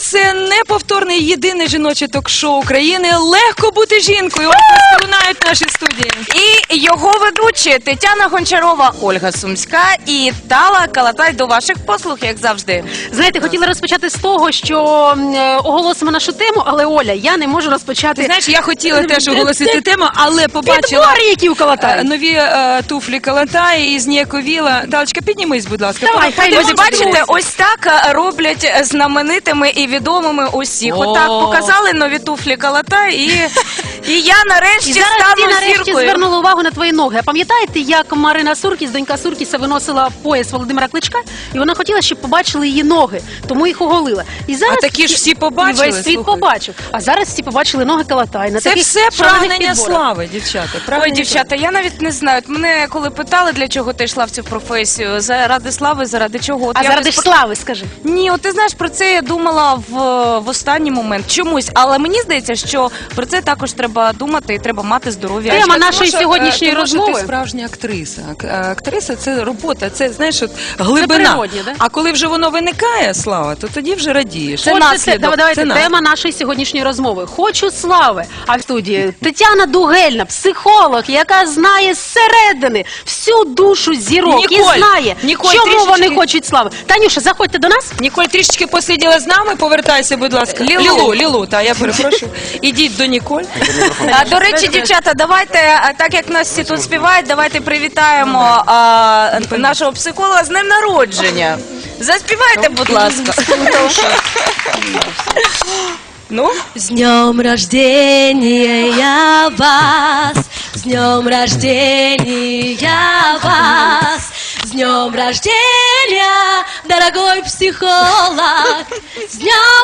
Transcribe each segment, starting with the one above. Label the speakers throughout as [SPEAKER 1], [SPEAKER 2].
[SPEAKER 1] це неповторне єдине жіноче ток-шоу України «Легко бути жінкою». Ось лунають в нашій студії.
[SPEAKER 2] І його ведучі Тетяна Гончарова, Ольга Сумська і Тала Калатай до ваших послуг, як завжди.
[SPEAKER 3] Знаєте, хотіла розпочати з того, що оголосимо нашу тему, але, Оля, я не можу розпочати...
[SPEAKER 1] Ти знаєш, я хотіла теж оголосити тему, але побачила
[SPEAKER 3] Підбори, які у Калатая.
[SPEAKER 1] нові туфлі Калатая і зніяковіла. Талочка, піднімись, будь ласка.
[SPEAKER 3] Давай, хай
[SPEAKER 2] Ось бачите, ось так роблять знаменитими і відомими усіх. Отак показали нові туфлі Калатай, і я нарешті
[SPEAKER 3] І зараз
[SPEAKER 2] стану
[SPEAKER 3] всі нарешті
[SPEAKER 2] зіркою.
[SPEAKER 3] звернули увагу на твої ноги. А пам'ятаєте, як Марина Суркіс, донька Суркіса, виносила пояс Володимира Кличка? І вона хотіла, щоб побачили її ноги, тому їх оголила. І зараз
[SPEAKER 1] А такі ж всі побачили,
[SPEAKER 3] і весь світ
[SPEAKER 1] слухай.
[SPEAKER 3] побачив. А зараз всі побачили ноги Калатай. На
[SPEAKER 1] Це
[SPEAKER 3] таких
[SPEAKER 1] все
[SPEAKER 3] шалених
[SPEAKER 1] прагнення
[SPEAKER 3] підборах.
[SPEAKER 1] слави, дівчата.
[SPEAKER 2] Ой,
[SPEAKER 1] прагнення
[SPEAKER 2] дівчата, я навіть не знаю. От мене коли питали, для чого ти йшла в цю професію, заради слави, заради чого? От
[SPEAKER 3] А
[SPEAKER 2] я
[SPEAKER 3] заради
[SPEAKER 2] ось
[SPEAKER 3] ж слави, скажи.
[SPEAKER 2] Ні, от ти знаєш, про це я думала в останній момент чомусь, але мені здається, що про це також треба думати і треба мати здоров'я.
[SPEAKER 3] Тема
[SPEAKER 1] Тому
[SPEAKER 3] нашої
[SPEAKER 1] що,
[SPEAKER 3] сьогоднішньої
[SPEAKER 1] тому що
[SPEAKER 3] розмови.
[SPEAKER 1] Ти справжня актриса. Актриса – це робота, це, знаєш, от глибина.
[SPEAKER 3] природнє, да?
[SPEAKER 1] А коли вже воно виникає, слава, то тоді вже радієш. Це
[SPEAKER 3] Отже,
[SPEAKER 1] наслідок.
[SPEAKER 3] давайте,
[SPEAKER 1] це наслідок.
[SPEAKER 3] тема нашої сьогоднішньої розмови. Хочу слави. А в студії Тетяна Дугельна, психолог, яка знає зсередини всю душу зірок
[SPEAKER 1] Ніколь,
[SPEAKER 3] і знає,
[SPEAKER 1] Ніколь,
[SPEAKER 3] чому
[SPEAKER 1] трішечки.
[SPEAKER 3] вони хочуть слави. Танюша, заходьте до нас.
[SPEAKER 1] Ніколь, трішечки посиділа з нами, повертайся, будь ласка. Лілу, та я перепрошую. Ідіть до Ніколь.
[SPEAKER 2] А, до речі, дівчата, давайте, так як нас всі тут співають, давайте привітаємо нашого психолога з днем народження. Заспівайте, будь ласка.
[SPEAKER 1] Ну?
[SPEAKER 4] С днем рождения я вас, с днем рождения вас, с днем рождения, дорогой психолог, с днем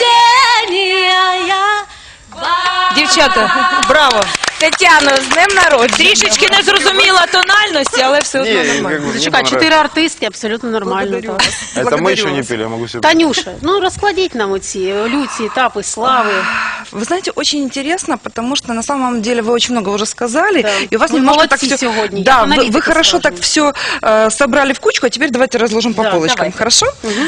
[SPEAKER 4] рождения я вас.
[SPEAKER 1] Дівчата, браво.
[SPEAKER 2] Тетяно, з днем народження.
[SPEAKER 1] Трішечки не зрозуміла тональності, але все одно нормально.
[SPEAKER 3] Зачекай, 4 артистки, абсолютно нормально. Так.
[SPEAKER 5] Это мы еще не пели, я могу себе...
[SPEAKER 3] Танюша, ну розкладіть нам оці люці, етапи, слави.
[SPEAKER 6] Вы знаете, очень интересно, потому что на самом деле вы очень много уже сказали,
[SPEAKER 3] Да.
[SPEAKER 6] и у вас
[SPEAKER 3] Вы
[SPEAKER 6] немножко так
[SPEAKER 3] молодцы
[SPEAKER 6] все...
[SPEAKER 3] сегодня,
[SPEAKER 6] Да,
[SPEAKER 3] я аналитика,
[SPEAKER 6] вы хорошо
[SPEAKER 3] скажем.
[SPEAKER 6] так все собрали в кучку, а теперь давайте разложим по
[SPEAKER 3] Да,
[SPEAKER 6] полочкам,
[SPEAKER 3] давайте.
[SPEAKER 6] хорошо?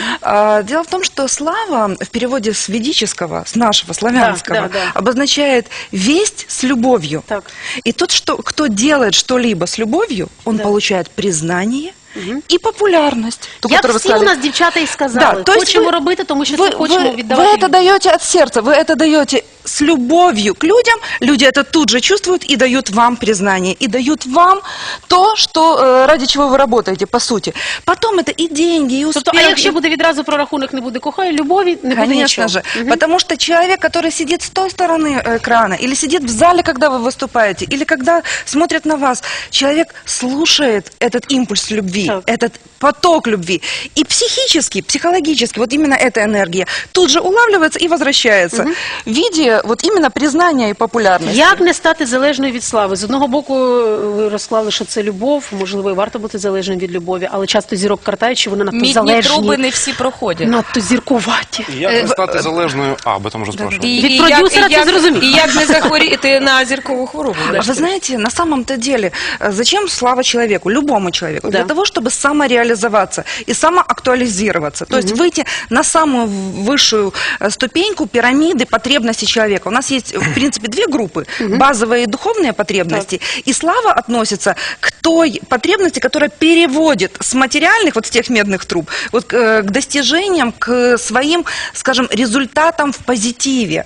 [SPEAKER 6] Дело в том, что слава в переводе с ведического, с нашего славянского,
[SPEAKER 3] Да, да, да.
[SPEAKER 6] обозначает весть с любовью.
[SPEAKER 3] Так.
[SPEAKER 6] И тот, кто делает что-либо с любовью, он получает признание и популярность. ту,
[SPEAKER 3] Як
[SPEAKER 6] которую вы
[SPEAKER 3] всі у
[SPEAKER 6] сказали.
[SPEAKER 3] нас дівчата і сказали,
[SPEAKER 6] Да, то есть
[SPEAKER 3] хочемо
[SPEAKER 6] ви-
[SPEAKER 3] робити, тому що
[SPEAKER 6] Вы,
[SPEAKER 3] це хочемо
[SPEAKER 6] вы
[SPEAKER 3] віддавати.
[SPEAKER 6] это даете от сердца, вы это даете с любовью к людям, люди это тут же чувствуют и дают вам признание, и дают вам то, что, ради чего вы работаете, по сути. Потом это и деньги, и успех.
[SPEAKER 3] Тобто, а якщо
[SPEAKER 6] и-
[SPEAKER 3] буде відразу прорахунок, не буде кохаю, любові, не буде
[SPEAKER 6] Конечно
[SPEAKER 3] нічого.
[SPEAKER 6] же, потому что человек, который сидит с той стороны экрана, или сидит в зале, когда вы выступаете, или когда смотрит на вас, человек слушает этот импульс любви,
[SPEAKER 3] Так.
[SPEAKER 6] этот поток любви. И психически, психологически, вот именно эта энергия тут же улавливается и возвращается в виде вот именно признания и популярности.
[SPEAKER 3] Як не стати залежною від слави? З одного боку, ви розклали, що це любов, можливо, і варто бути залежним від любові, але часто зірок картають, що вони надто
[SPEAKER 2] Мідні
[SPEAKER 3] залежні,
[SPEAKER 2] труби не всі проходять.
[SPEAKER 3] надто зіркуваті.
[SPEAKER 5] Як не стати залежною? А, об этом уже спрашивали.
[SPEAKER 3] Від продюсера це зрозуміло.
[SPEAKER 1] І як не захворіти на зіркову хворобу.
[SPEAKER 6] А вы знаете, на самом-то деле, зачем слава человеку, любому человеку?
[SPEAKER 3] Да.
[SPEAKER 6] Для того, чтобы самореализоваться и самоактуализироваться. То есть выйти на самую высшую ступеньку пирамиды потребностей человека. У нас есть, в принципе, две группы. Базовые и духовные потребности. И слава относится к той потребности, которая переводит с материальных, вот с тех медных труб, вот к достижениям, к своим, скажем, результатам в позитиве.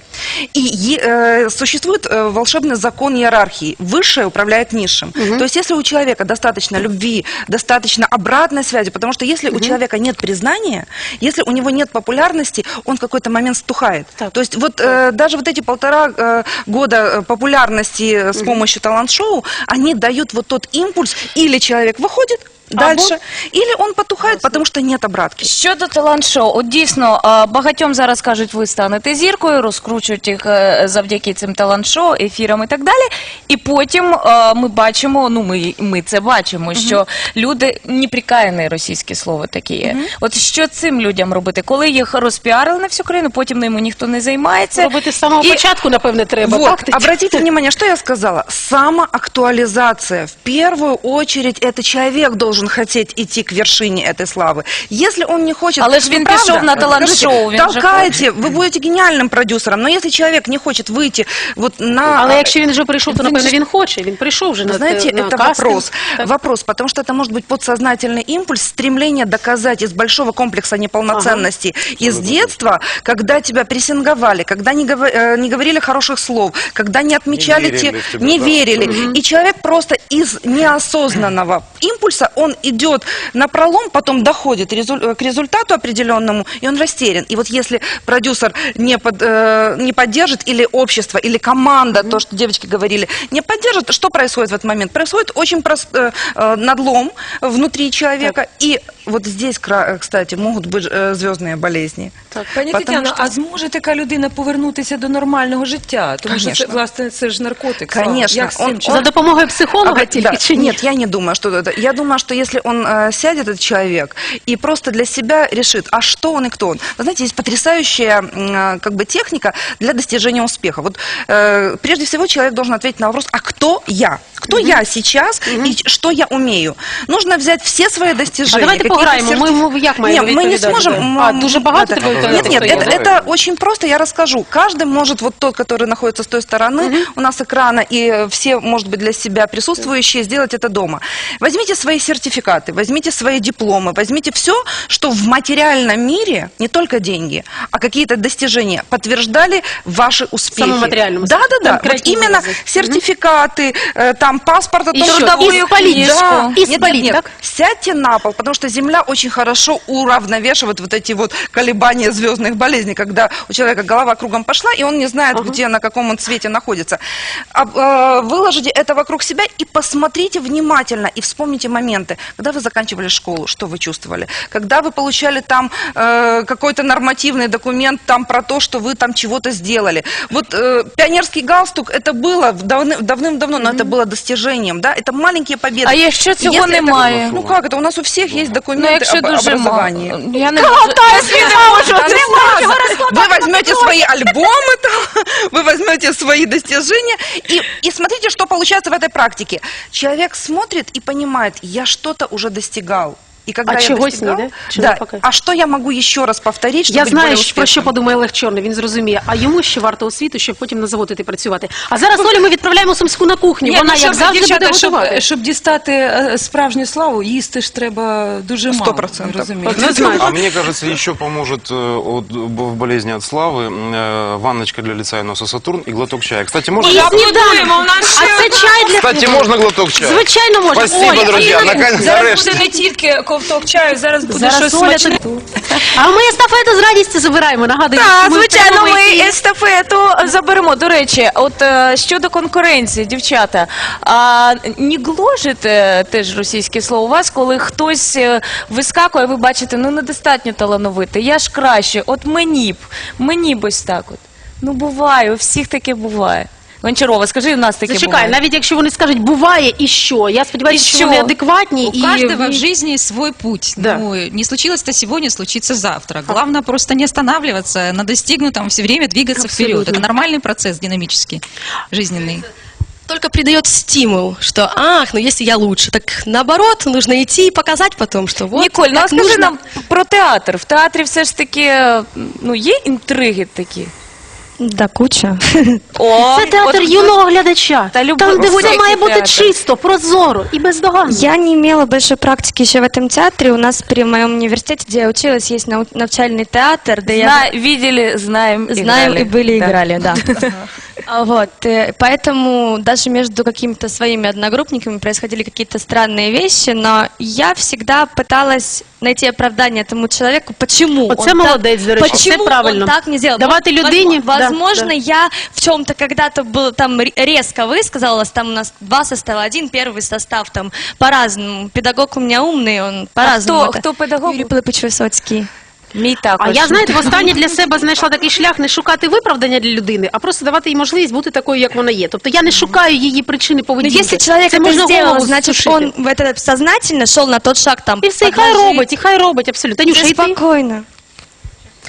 [SPEAKER 6] И существует волшебный закон иерархии. Высшее управляет низшим. То есть если у человека достаточно любви, достаточно обратной связи, потому что если у человека нет признания, если у него нет популярности, он в какой-то момент стухает.
[SPEAKER 3] Так.
[SPEAKER 6] То есть вот даже вот эти 1,5 года популярности с помощью талант-шоу, они дают вот тот импульс, или человек выходит дальше, или он потухает, потому что нет обратки.
[SPEAKER 2] Щодо талант-шоу, от дійсно, багатьом зараз кажуть, ви станете зіркою, розкручують їх завдяки цим талант-шоу, ефірам і так далі. І потім ми бачимо, ну ми це бачимо, що люди, неприкаяне російське слово таке є. От що цим людям робити? Коли їх розпіарили на всю країну, потім ними ніхто не займається.
[SPEAKER 3] Робити з самого
[SPEAKER 2] І-
[SPEAKER 3] початку, напевне, треба.
[SPEAKER 6] Вот,
[SPEAKER 3] так, Тетяна?
[SPEAKER 6] обратите внимание, что я сказала. Самоактуализация. В первую очередь это человек должен должен хотеть идти к вершине этой славы. Если он не хочет...
[SPEAKER 2] Але ж він
[SPEAKER 6] правда,
[SPEAKER 2] пішов на талант-шоу,
[SPEAKER 6] скажите,
[SPEAKER 2] він же
[SPEAKER 6] толкайте, вы будете гениальным продюсером, но если человек не хочет выйти вот на...
[SPEAKER 3] Але якщо він вже прийшов, то напевно він хоче. Він прийшов вже
[SPEAKER 6] Вы
[SPEAKER 3] на
[SPEAKER 6] знаете,
[SPEAKER 3] на
[SPEAKER 6] это
[SPEAKER 3] кастинг.
[SPEAKER 6] вопрос.
[SPEAKER 3] Так.
[SPEAKER 6] Вопрос, потому что это может быть подсознательный импульс, стремление доказать из большого комплекса неполноценности из детства, когда тебя прессинговали, когда не говорили хороших слов, когда не отмечали,
[SPEAKER 5] Не верили в тебя,
[SPEAKER 6] не
[SPEAKER 5] да.
[SPEAKER 6] верили. И человек просто из неосознанного импульса, он идет на пролом, потом доходит к результату определенному, и он растерян. И вот если продюсер не поддержит, или общество, или команда, то, что девочки говорили, не поддержит, что происходит в этот момент? Происходит очень надлом внутри человека, и вот здесь, кстати, могут быть звездные болезни.
[SPEAKER 1] Пані
[SPEAKER 6] Потому
[SPEAKER 1] Тетяно,
[SPEAKER 6] що-
[SPEAKER 1] а зможе така людина повернутися до нормального життя? Тому що це,
[SPEAKER 6] Конечно.
[SPEAKER 1] власне, це ж наркотик.
[SPEAKER 6] Конечно.
[SPEAKER 1] Як з цим
[SPEAKER 3] За допомогою психолога тільки
[SPEAKER 6] Да,
[SPEAKER 3] чи ні?
[SPEAKER 6] нет, я не думаю, что это. Я думаю, что если он сядет, этот человек, и просто для себя решит, а что он и кто он. Вы знаете, есть потрясающая как бы техника для достижения успеха. Вот прежде всего человек должен ответить на вопрос, а кто я? Кто я сейчас и что я умею? Нужно взять все свои
[SPEAKER 3] А
[SPEAKER 6] достижения.
[SPEAKER 3] давайте
[SPEAKER 6] какие-то
[SPEAKER 3] пограємо. Ми як маємо
[SPEAKER 6] Нет, мы не
[SPEAKER 3] відповідати?
[SPEAKER 6] сможем.
[SPEAKER 3] А, дуже багато тебе
[SPEAKER 6] Нет, нет,
[SPEAKER 3] відповідати?
[SPEAKER 6] это очень просто, я расскажу. Каждый может, вот тот, который находится с той стороны, у нас экрана, и все, может быть, для себя присутствующие, сделать это дома. Возьмите свои сертификаты, возьмите свои дипломы, возьмите все, что в материальном мире, не только деньги, а какие-то достижения подтверждали ваши успехи.
[SPEAKER 3] Самом материальном.
[SPEAKER 6] Да. Вот
[SPEAKER 3] Конкретнее
[SPEAKER 6] именно
[SPEAKER 3] выразить.
[SPEAKER 6] сертификаты, там паспорт, о том,
[SPEAKER 3] И
[SPEAKER 6] что...
[SPEAKER 3] трудовую
[SPEAKER 6] И спалить,
[SPEAKER 3] книжку.
[SPEAKER 6] да.
[SPEAKER 3] И
[SPEAKER 6] Нет,
[SPEAKER 3] спалить,
[SPEAKER 6] нет,
[SPEAKER 3] так?
[SPEAKER 6] сядьте на пол, потому что Земля очень хорошо уравновешивает вот эти вот колебания звездных болезней, когда у человека голова кругом пошла, и он не знает, где, на каком он цвете находится. Выложите это вокруг себя и посмотрите внимательно, и вспомните моменты, когда вы заканчивали школу, что вы чувствовали, когда вы получали там какой-то нормативный документ там про то, что вы там чего-то сделали. Вот пионерский галстук, это было давным-давно, но это было достижением, да, это маленькие победы.
[SPEAKER 2] А якщо цього
[SPEAKER 6] Если это-
[SPEAKER 2] немає?
[SPEAKER 6] Ну как это? У нас у всех есть
[SPEAKER 2] Ну,
[SPEAKER 6] документы
[SPEAKER 2] якщо
[SPEAKER 6] об
[SPEAKER 2] дуже
[SPEAKER 6] образовании.
[SPEAKER 2] мало. Я не
[SPEAKER 6] Да, не важно. Вы возьмете свои альбомы, там, вы возьмете свои достижения и смотрите, что получается в этой практике. Человек смотрит и понимает, я что-то уже достигал. И когда
[SPEAKER 3] А
[SPEAKER 6] я
[SPEAKER 3] чогось
[SPEAKER 6] достигал,
[SPEAKER 3] ні, да? Чого
[SPEAKER 6] да,
[SPEAKER 3] поки?
[SPEAKER 6] а что я могу еще раз повторить, чтобы
[SPEAKER 3] Я
[SPEAKER 6] быть
[SPEAKER 3] знаю,
[SPEAKER 6] более
[SPEAKER 3] про що
[SPEAKER 6] успешным?
[SPEAKER 3] подумає Олег Чорний, він зрозуміє. А йому ще варто освіту, щоб потім на завод іти працювати. А зараз Олю ми відправляємо Сумську на кухню.
[SPEAKER 1] Ні,
[SPEAKER 3] Вона,
[SPEAKER 1] ну,
[SPEAKER 3] як завжди, буде
[SPEAKER 1] дівчата,
[SPEAKER 3] готувати.
[SPEAKER 1] щоб дістати справжню славу, їсти ж треба дуже мало.
[SPEAKER 6] 100%.
[SPEAKER 1] Розумієте?
[SPEAKER 3] Не знаю.
[SPEAKER 5] А мне кажется, еще поможет в болезни от славы ванночка для лица и носа Сатурн и глоток чая. Кстати, можно...
[SPEAKER 3] І
[SPEAKER 1] Аплодуємо,
[SPEAKER 3] сніданок.
[SPEAKER 1] у нас
[SPEAKER 3] А це чай для...
[SPEAKER 5] Кстати, можно глоток чая?
[SPEAKER 3] Звичайно можна.
[SPEAKER 5] Спасибо,
[SPEAKER 3] Оля,
[SPEAKER 5] друзья.
[SPEAKER 3] Ірина,
[SPEAKER 5] Наконец,
[SPEAKER 1] зараз
[SPEAKER 5] нарешті.
[SPEAKER 1] буде не тільки ковток чаю, зараз буде
[SPEAKER 3] Зараз
[SPEAKER 1] щось
[SPEAKER 3] Оля
[SPEAKER 1] смачне.
[SPEAKER 3] А ми естафету з радістю забираємо. Нагадую,
[SPEAKER 2] Так,
[SPEAKER 3] що ми в
[SPEAKER 2] звичайно,
[SPEAKER 3] прямому
[SPEAKER 2] ми
[SPEAKER 3] ефірі.
[SPEAKER 2] естафету заберемо. До речі, от щодо конкуренції, дівчата, не гложить теж російське слово у вас, коли хтось вискакує, ви бачите, ну недостатньо талановитий, я ж краще, от мені б ось так от. Ну буває, у всіх таке буває. Гончарова, скажи, у нас таке
[SPEAKER 3] Зачекай,
[SPEAKER 2] буває.
[SPEAKER 3] навіть якщо вони скажуть, буває і що? Я сподіваюся,
[SPEAKER 2] І
[SPEAKER 3] що
[SPEAKER 2] що?
[SPEAKER 3] вони адекватні.
[SPEAKER 7] У каждого в жизни свой путь.
[SPEAKER 3] Да.
[SPEAKER 7] Ну, не случилось-то сегодня, случится завтра. Главное просто не останавливаться, на достигнутом все время двигаться вперед.
[SPEAKER 3] Абсолютно.
[SPEAKER 7] Это нормальный процесс, динамический, жизненный.
[SPEAKER 4] Только придает стимул, что, ну если я лучше, так наоборот, нужно идти и показать потом, что вот
[SPEAKER 2] Ніколь, ну а
[SPEAKER 4] так
[SPEAKER 2] скажи
[SPEAKER 4] нужно.
[SPEAKER 2] нам про театр. В театрі все ж таки, ну є інтриги такі?
[SPEAKER 8] Да, куча.
[SPEAKER 2] О,
[SPEAKER 3] Це театр
[SPEAKER 2] от-
[SPEAKER 3] юного глядача.
[SPEAKER 2] Та любов-
[SPEAKER 3] Там, де все
[SPEAKER 2] всякий
[SPEAKER 3] має бути
[SPEAKER 2] театр.
[SPEAKER 3] чисто, прозоро і бездоганно.
[SPEAKER 8] Я не имела большой практики еще в этом театре. У нас при моем университете, где я училась, есть навчальный театр, да я
[SPEAKER 2] Видели, знаем,
[SPEAKER 8] знаем
[SPEAKER 2] играли.
[SPEAKER 8] и были,
[SPEAKER 2] Да.
[SPEAKER 8] играли, да. Вот, поэтому даже между какими-то своими одногруппниками происходили какие-то странные вещи, но я всегда пыталась найти оправдание этому человеку, почему
[SPEAKER 3] Оце
[SPEAKER 8] он
[SPEAKER 3] молодець, до речі,
[SPEAKER 8] почему
[SPEAKER 3] це правильно.
[SPEAKER 8] он так не сделал.
[SPEAKER 3] Давати людині,
[SPEAKER 8] Возможно,
[SPEAKER 3] да.
[SPEAKER 8] я в чем-то когда-то был там резко высказалась, там у нас 2 состава, 1 первый состав, там по-разному. Педагог у меня умный, он по-разному.
[SPEAKER 2] хто- хто педагог?
[SPEAKER 8] Юрий Пилипович Висоцький.
[SPEAKER 2] Мій також.
[SPEAKER 3] А я, знаєте, востаннє для себе знайшла такий шлях не шукати виправдання для людини, а просто давати їй можливість бути такою, як вона є. Тобто я не шукаю її причини
[SPEAKER 8] Но
[SPEAKER 3] поведінки.
[SPEAKER 8] если человек
[SPEAKER 3] Це
[SPEAKER 8] это
[SPEAKER 3] можна
[SPEAKER 8] сделал,
[SPEAKER 3] голову
[SPEAKER 8] значит,
[SPEAKER 3] сушити.
[SPEAKER 8] он в это сознательно шел на тот шаг там.
[SPEAKER 3] І все, і хай робить, абсолютно. Танюша, і ти?
[SPEAKER 8] Спокойно.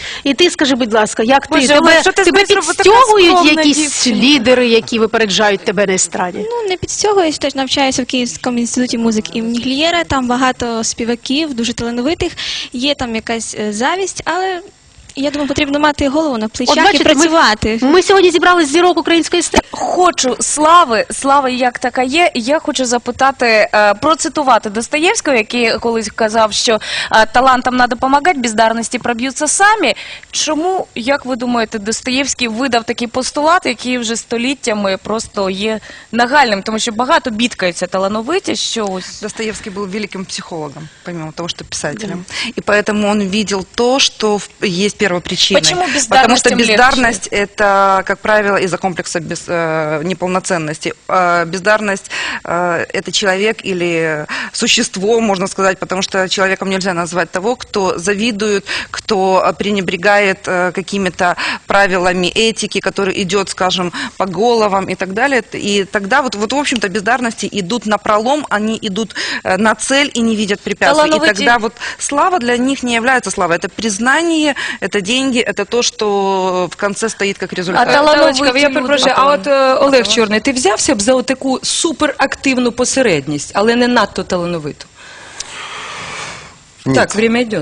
[SPEAKER 3] І ти скажи, будь ласка, як ти?
[SPEAKER 1] Боже, Олег, що ти
[SPEAKER 3] Тебе
[SPEAKER 1] знаєш, що така
[SPEAKER 3] підстягують
[SPEAKER 1] скромна
[SPEAKER 3] якісь
[SPEAKER 1] дівчина?
[SPEAKER 3] лідери, які випереджають тебе на естраді?
[SPEAKER 9] Ну, не підстягуюсь, теж навчаюся в Київському інституті музики імені Глієра. Там багато співаків, дуже талановитих. Є там якась завість, але я думаю, потрібно мати голову на плечах
[SPEAKER 3] бачите,
[SPEAKER 9] і працювати.
[SPEAKER 3] Ми сьогодні зібрали зірок української естради.
[SPEAKER 2] Хочу слави як така є. І я хочу запитати, процитувати Достоєвського, який колись казав, що талантам треба допомагати, бездарності проб'ються самі. Чому, як ви думаєте, Достоєвський видав такий постулат, який вже століттями просто є нагальним? Тому що багато бідкаються талановиті, що ось...
[SPEAKER 6] Достоевский был великим психологом, помимо того, что писателем. И поэтому он видел то, что есть первопричиной.
[SPEAKER 2] Почему
[SPEAKER 6] Потому что
[SPEAKER 2] бездарностям
[SPEAKER 6] бездарность это, как правило, из-за комплекса неполноценности. Бездарность это человек или существо, можно сказать, потому что человеком нельзя назвать того, кто завидует, кто пренебрегает какими-то правилами этики, который идет, скажем, по головам и так далее. И тогда вот в общем-то, бездарности идут на пролом, они идут на цель и не видят препятствий. И тогда вот слава для них не является славой. Это признание, это деньги, это то, что в конце стоит как результат.
[SPEAKER 1] Таланочка, я перепрошую, а от Олег Чорний, ти взявся б за таку суперактивну посередність, але не надто талановиту?
[SPEAKER 5] Нет.
[SPEAKER 1] Так, время йде.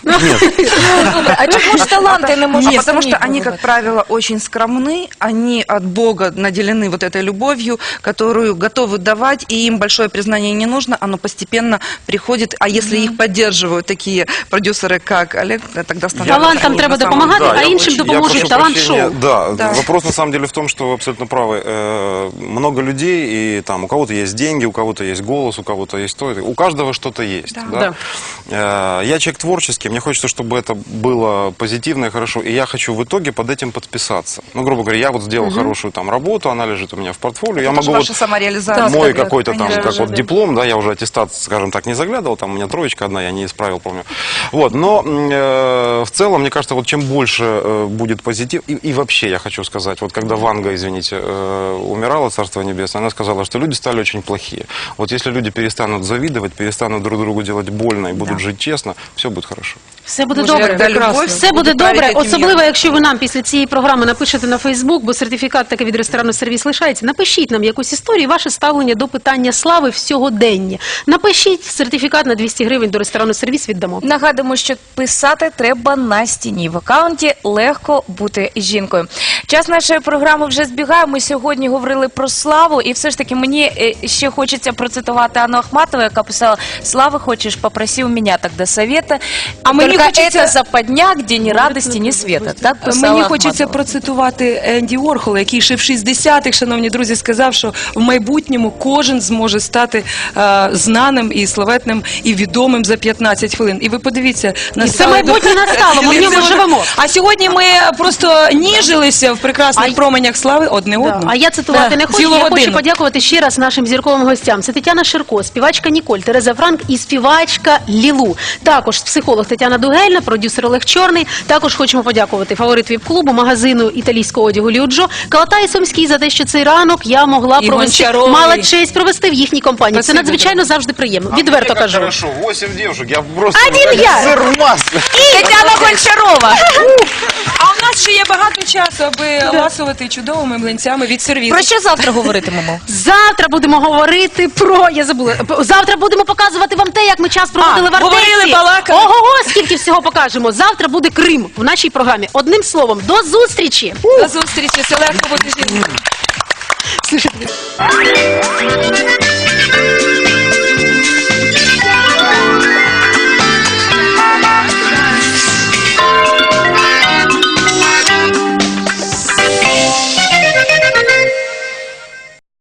[SPEAKER 2] А чому ж таланти не можуть?
[SPEAKER 6] Потому что они, как правило, очень скромны, они от Бога наделены вот этой любовью, которую готовы давать, и им большое признание не нужно, оно постепенно приходит, а если их поддерживают такие продюсеры, как Олег, тогда становится...
[SPEAKER 3] Талантам треба
[SPEAKER 6] на самом
[SPEAKER 3] допомагати,
[SPEAKER 6] деле.
[SPEAKER 3] а іншим допоможе
[SPEAKER 5] прошу
[SPEAKER 3] талант-шоу.
[SPEAKER 5] прощения. Да,
[SPEAKER 6] Да.
[SPEAKER 5] вопрос на самом деле в том, что вы абсолютно правы. Много людей, и там у кого-то есть деньги, у кого-то есть голос, у кого-то есть то. У каждого что-то есть. Да. Я человек творческий, мне хочется, чтобы это было позитивно и хорошо, и я хочу в итоге под этим подписаться. Ну, грубо говоря, я вот сделал хорошую там работу, она лежит у меня в портфолио, я
[SPEAKER 6] Это
[SPEAKER 5] могу
[SPEAKER 6] же
[SPEAKER 5] вот
[SPEAKER 6] ваша самореализация.
[SPEAKER 5] мой
[SPEAKER 6] Да,
[SPEAKER 5] какой-то там,
[SPEAKER 6] конечно.
[SPEAKER 5] как вот диплом, да, я уже аттестат, скажем так, не заглядывал, там у меня троечка одна, я не исправил, помню. Вот, но в целом, мне кажется, вот чем больше будет позитив, и вообще я хочу сказать, вот когда Ванга, извините, умирала, Царство Небесное, она сказала, что люди стали очень плохие. Вот если люди перестанут завидовать, перестанут друг другу делать больно и будут жить честно, все будет хорошо.
[SPEAKER 3] Все буде
[SPEAKER 6] Боже,
[SPEAKER 3] добре.
[SPEAKER 6] когда любовь
[SPEAKER 3] Все буде
[SPEAKER 6] будет править
[SPEAKER 3] добре,
[SPEAKER 6] этим
[SPEAKER 3] особливо,
[SPEAKER 6] миром.
[SPEAKER 3] якщо ви нам після цієї програми напишете на Фейсбук, бо сертифікат таки від ресторану «Сервіс» лишається. Напишіть нам якусь історію, ваше ставлення до питання слави в сьогоденні. Напишіть, сертифікат на 200 гривень до ресторану «Сервіс» віддамо.
[SPEAKER 2] Нагадуємо, що писати треба на стіні. В акаунті легко бути жінкою. Час нашої програми вже збігає. Ми сьогодні говорили про славу. І все ж таки мені ще хочеться процитувати Анну Ахматову, яка писала: «Слави хочеш, попроси у меня тогда совета.
[SPEAKER 1] А мені
[SPEAKER 2] Только
[SPEAKER 1] хочеться-
[SPEAKER 2] это западня, где ні радості, ні света». Так писала
[SPEAKER 1] Мені хочеться
[SPEAKER 2] Ахматова.
[SPEAKER 1] процитувати Енді Уорхола, який ще в 60-х, шановні друзі, сказав, що в майбутньому кожен зможе стати знаним і славетним і відомим за 15 хвилин. І ви подивіться,
[SPEAKER 3] це майбутнє настало, ми в ньому живемо.
[SPEAKER 1] А сьогодні ми просто ніжилися в прекрасних променях слави одне
[SPEAKER 3] Да.
[SPEAKER 1] одному.
[SPEAKER 3] А я цитувати не хочу.
[SPEAKER 1] Цілу
[SPEAKER 3] Я хочу
[SPEAKER 1] годину.
[SPEAKER 3] подякувати ще раз нашим зірковим гостям. Це Тетяна Ширко, співачка Ніколь, Тереза Франк і співачка Лілу. Також психолог Тетяна Дугельна, продюсер Олег Чорний. Також хочемо подякувати фаворит ВІП-клубу, магазину італійського одягу Ліуджо, Калатай Сумський за те, що цей ранок я могла
[SPEAKER 1] І
[SPEAKER 3] провести,
[SPEAKER 1] Гончаровий.
[SPEAKER 3] мала честь провести в їхній компанії. Це
[SPEAKER 1] Спасибо,
[SPEAKER 3] надзвичайно завжди приємно. Відверто кажу.
[SPEAKER 5] Хорошо, 8 девушек, я просто...
[SPEAKER 3] Один я!
[SPEAKER 5] Сыр в масле.
[SPEAKER 2] Тетяна Гончарова.
[SPEAKER 1] А у нас ще є багато часу, аби ласувати чудовими млинцями від сервісу.
[SPEAKER 2] Про що завтра говоритимемо?
[SPEAKER 3] Завтра будемо говорити про... Я забула. Завтра будемо показувати вам те, як ми час проводили в Артесі.
[SPEAKER 1] говорили, балакали.
[SPEAKER 3] Ого, скільки всього покажемо. Завтра буде Крим в нашій програмі. Одним словом, до зустрічі!
[SPEAKER 1] До зустрічі, це легко бути жінкою.
[SPEAKER 3] Слушайте.